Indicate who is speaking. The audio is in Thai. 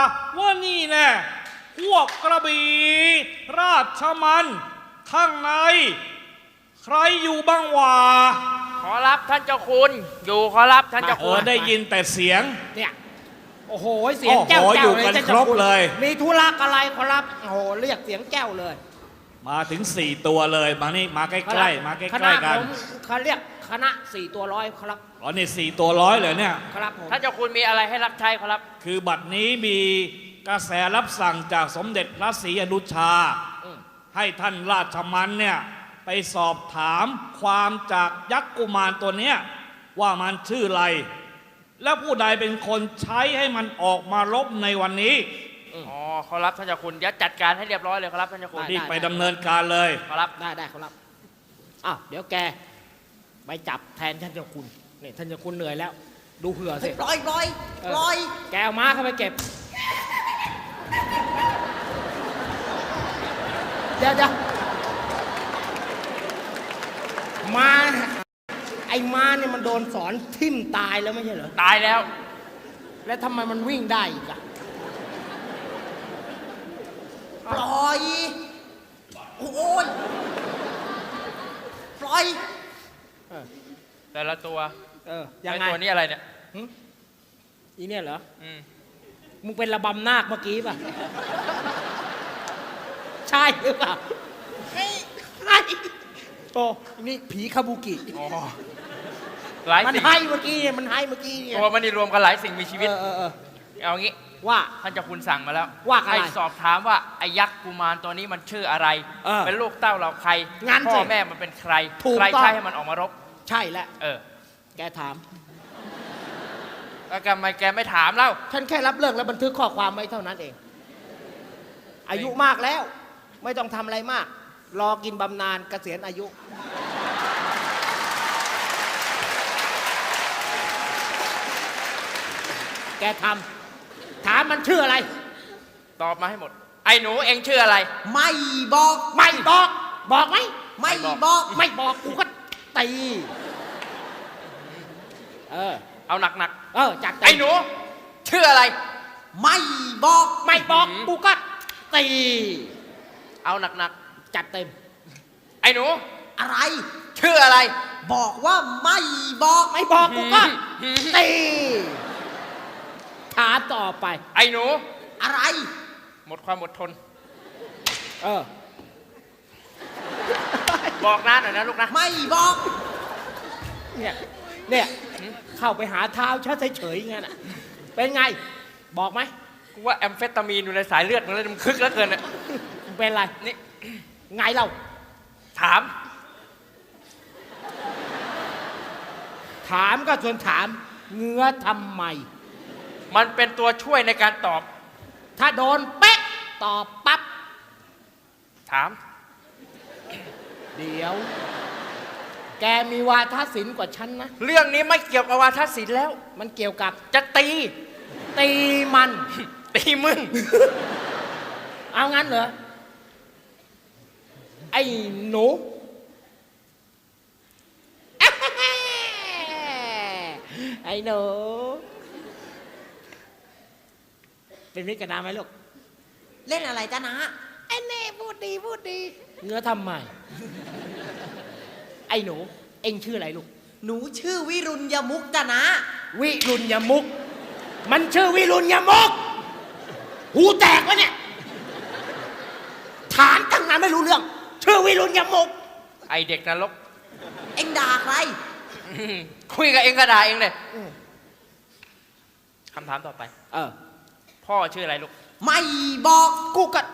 Speaker 1: ว่านี่แน่พวกกระบี่ราชมันข้างในใครอยู่บ้างวะ
Speaker 2: ขอรับท่านเจ้าคุณอยู่ขอรับท่านเจ้าคุณ
Speaker 1: ได้ยินแต่เสียง
Speaker 3: เนี่ยโอ้โหเสียงแก้ว
Speaker 1: อยู่กันครบเลย
Speaker 3: มีธุระอะไรขอรับโอ้โหเรียกเสียงแก้วเลย
Speaker 1: มาถึง4ตัวเลยมานี่มาใกล้ๆมาใกล้ๆกัน
Speaker 3: เขาเรียกคณะ4ตัวร้อยครับ
Speaker 1: อ๋อนี่4ตัวร้อยเลยเนี่ย
Speaker 3: ครับผม
Speaker 2: ท่านเจ้าคุณมีอะไรให้รับใช้ขอรับ
Speaker 1: คือบัดนี้มีกระแสรับสั่งจากสมเด็จพระศรีอนุชาให้ท่านราชมันเนี่ยไปสอบถามความจากยักษ์กุมารตัวเนี้ยว่ามันชื่ออะไรและผู้ใดเป็นคนใช้ให้มันออกมารบในวันนี้
Speaker 2: อ๋อขอรับท่านเจ้าคุณเดี๋ยวจัดการให้เรียบร้อยเลยขอรับท่านเจ้าคุณ
Speaker 1: รีบไปดำเนินการเลย
Speaker 2: ขอรับ
Speaker 3: ได้ขอรับอ้าวเดี๋ยวแกไปจับแทนท่านเจ้าคุณนี่ท่านเจ้าคุณเหนื่อยแล้วดูเผื่อสิ
Speaker 4: ปล่อย
Speaker 3: แกเอาม้าเข้าไปเก็บเดี๋ยวม้าไอ้ม้าเนี่ยมันโดนสอนทิ่มตายแล้วไม่ใช่เหรอ
Speaker 2: ตายแล้ว
Speaker 3: แล้วทำไมมันวิ่งได้อีกอะ
Speaker 4: ปล่อยโอ้ยปล่อย
Speaker 2: แต่ละตัว
Speaker 3: ยังไง
Speaker 2: ตัวนี้อะไรเนี่ย
Speaker 3: อีเนี่ยเหรอมึงเป็นระบำนาคเมื่อกี้ป่ะใช่หรือเปล่าใช่โอ้นี่ผีคาบุกิมันให้เมื่อกี้เนี่ย
Speaker 2: ตัวมันนี่รวมกันหลายสิ่งมีชีวิตเอางี้
Speaker 3: ว่า
Speaker 2: ท่านเจ้าคุณสั่งมาแล้ว
Speaker 3: ว่า
Speaker 2: ให้สอบถามว่าไอ้ยักษ์กุมารตัวนี้มันชื่ออะไรเป็นลูกเต้าเราใครพ่อแม่มันเป็นใครใครใช้ให้มันออกมารบ
Speaker 3: ใช่แล้วแกถาม
Speaker 2: แล้วทำไมแกไม่ถามเล่า
Speaker 3: ฉันแค่รับเรื่องและบันทึกข้อความไว้เท่านั้นเองอายุมากแล้วไม่ต้องทำอะไรมากรอกินบำนาญเกษียณอายุแกถามมันชื่ออะไร
Speaker 2: ตอบมาให้หมดไอ้หนูเองชื่ออะไร
Speaker 4: ไม่บอก
Speaker 3: บอกไหม
Speaker 4: ไม่บอก
Speaker 3: กูก็ตี
Speaker 2: เอาหนัก
Speaker 3: จัด
Speaker 2: ไอ้หนูชื่ออะไร
Speaker 4: ไม่บอก
Speaker 3: กูก็ตี
Speaker 2: เอาหนัก
Speaker 3: จัดเต็ม
Speaker 2: ไอ้หนู
Speaker 4: อะไร
Speaker 2: ชื่ออะไร
Speaker 4: บอกว่าไม่บอก
Speaker 3: กูก็ตีถามต่อไป
Speaker 2: ไอ้หนู
Speaker 4: อะไร
Speaker 2: หมดความอดทนบอกนะหน่อยนะลูกนะ
Speaker 4: ไม่บอก
Speaker 3: เนี่ยเข้าไปหาเท้าเฉยๆงั้นเป็นไงบอกไหม
Speaker 2: กูว่าแอมเฟตามีนอยู่ในสายเลือดมันเลยมันคึกแล้วเกิน
Speaker 3: เป็นไร
Speaker 2: นี่
Speaker 3: ไงเรา
Speaker 2: ถาม
Speaker 3: ก็ชวนถามเงื้อทำไม
Speaker 2: มันเป็นตัวช่วยในการตอบ
Speaker 3: ถ้าโดนเป๊ะตอบปั๊บ
Speaker 2: ถาม
Speaker 3: เดี๋ยวแกมีวาทศิลป์กว่าฉันนะ
Speaker 2: เรื่องนี้ไม่เกี่ยวกับวาทศิลป์แล้ว
Speaker 3: มันเกี่ยวกับ
Speaker 2: จะตี
Speaker 3: มัน
Speaker 2: ตีมึง
Speaker 3: เอางั้นเหรอไอ้หนูไอ้หนูเป็นมิตรกับน้าไหมลูก
Speaker 4: เล่นอะไรจ๊ะนะ
Speaker 3: ไอ้เน่พูดดีเงื้อทำไมไอ้หนูเอ็งชื่ออะไรลูก
Speaker 4: หนูชื่อวิรุณยมุกจ๊ะนะ
Speaker 3: วิรุณยมุกมันชื่อวิรุณยมุกหูแตกวะเนี่ยถามตั้งนานไม่รู้เรื่องชื่อวิรุณยมุก
Speaker 2: ไอเด็กนรก
Speaker 4: เอ็งด่าใคร
Speaker 2: คุยกับเอ็งก็ด่าเอ็งเลยคำถามต่อไปพ่อชื่ออะไรลูก
Speaker 4: ไม่บอก
Speaker 3: กูก็